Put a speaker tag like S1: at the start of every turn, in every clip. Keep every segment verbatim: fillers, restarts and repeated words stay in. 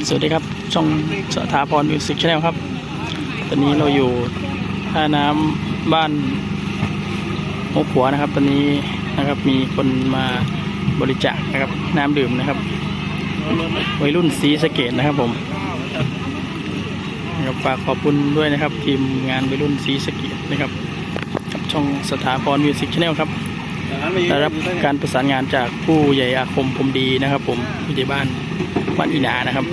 S1: สวัสดีครับช่องสถาพรมิวสิกชาแนลครับตอนนี้เราอยู่ท่าน้ำบ้านหกหัวนะครับตอนนี้นะครับมีคนมาบริจาคนะครับน้ำดื่มนะครับวัยรุ่นศรีสะเกษนะครับผมนะครับฝากขอบคุณด้วยนะครับทีมงานวัยรุ่นศรีสะเกษนะครับกับช่องสถาพรมิวสิกชาแนลครับได้รับการประสานงานจากผู้ใหญ่อาคมพรมดีนะครับผมผู้ใหญ่บ้านบ้านอีนานะครับ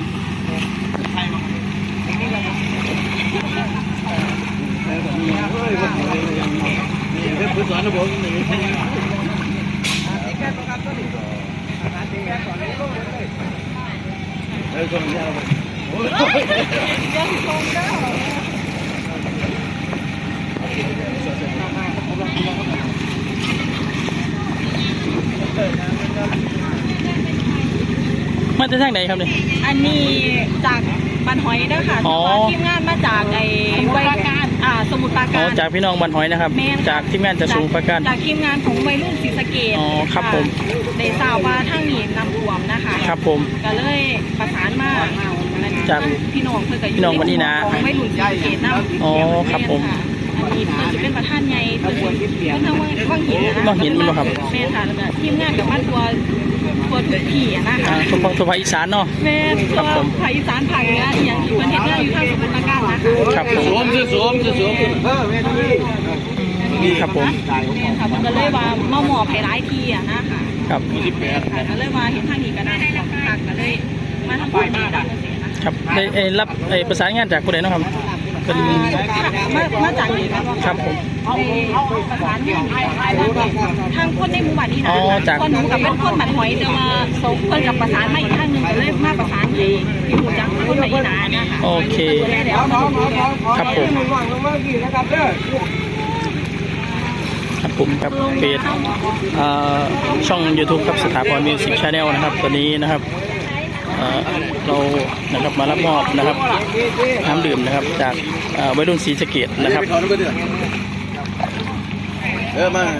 S1: มาจากทางไหนครับเนี่ย
S2: อันนี้จากบันหอยนะคะแต่ว่าทีมงานมาจากไอ้วัยอ่าสมุทรปราการ
S1: จากพี่น้องบันหอยนะครับจากทีมงานจากสมุทรปราการ
S2: จากทีมงานของวัยรุ่นศรีสะเกษ
S1: อ๋อครับผม
S2: ได้ทราบว่าทางนี้นำท่วมนะคะ
S1: ครับผม
S2: ก็เลยประสานมา
S1: จาก
S2: พี่น้องเพื่อกับ
S1: พี่น้องวันนี้นะ
S2: ของวัยรุ่นศรีสะเกษนำ
S1: อ๋อครับผม
S2: อันนี้เพื่อจะเป็นประธานใหญ่เพื่อเป็นทางว่างหินนะ
S1: ว่างหินมั้งครับ
S2: แม่ค่ะแล้วก็ทีมงานกับบ้านตัวตัวทุกที่นะคะ
S1: ทุกภาคอีสานเนาะ
S2: แม่ครับผมภาคอีสานภาคเหนืออย่างที่ประเทศเราอยู่ทางสมุทรปราการนะคะ
S1: ครับผม
S3: สวมสวมสวมเออแม่
S1: นี่ครับผม
S2: ครับก็เลยว่ามาหมอบให้หลายทีอ่ะนะคะ
S1: ครับ
S2: ก็เลยว่าเห็นทางนี้ก็น่าจะตักก็เลยมาทำความดี
S1: ครับได้รับประสานงานจากผู้ใดเนาะครับเป็น
S2: มามาจากนี้
S1: ครับผม
S2: ประสานงานทางคนในหมู่บ้านนี้นะคนหนูกับเป็นคนบันหอยแต่ว่าคนกับประสานมาอีกทางหนึ่งก็เลยมาประสานที่ที่หมู่จังคนในอีนานะคะ
S1: โอเคครับผมครับผมครับเพจช่อง ยูทูบ ครับสถาพรมิวสิกชาแนลนะครับตอนนี้นะครับเรานะครับมารับมอบนะครับน้ำดื่มนะครับจากวัยรุ่นศรีสะเกษนะครับ
S3: เออมา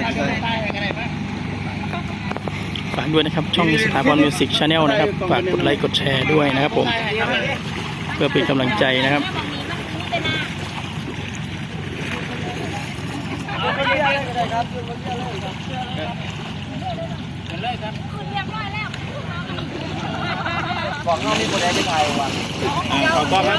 S1: ฝากด้วยนะครับช่องสถาพรมิวสิกชาแนลนะครับฝากกดไลค์กดแชร์ด้วยนะครับผมเพื่อเป็นกำลังใจนะครับ
S3: บอกน้องนี่คนใดไม่ไทยวัน